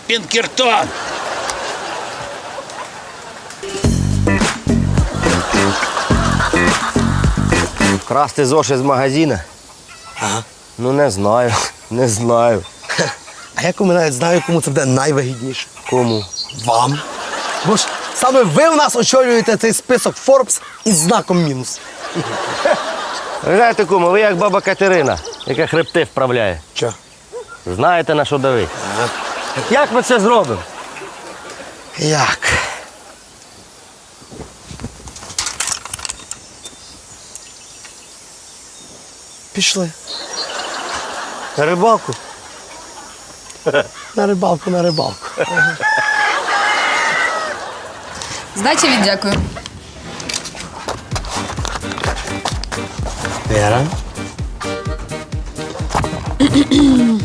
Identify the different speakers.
Speaker 1: Пінкертон.
Speaker 2: Красти зошит з магазина?
Speaker 3: Ага.
Speaker 2: Ну, не знаю. Не знаю.
Speaker 3: А я навіть знаю, кому це буде найвигідніше.
Speaker 2: Кому?
Speaker 3: Вам. Бо ж саме ви в нас очолюєте цей список Forbes із знаком мінус.
Speaker 2: Ви знаєте, кому, ви як баба Катерина, яка хребти вправляє.
Speaker 3: Що?
Speaker 2: Знаєте, на що давить. Як ми це зробимо?
Speaker 3: Як? Пішли.
Speaker 2: На рибалку?
Speaker 3: На рибалку, на рибалку.
Speaker 4: Здачі віддякую.
Speaker 3: Вера?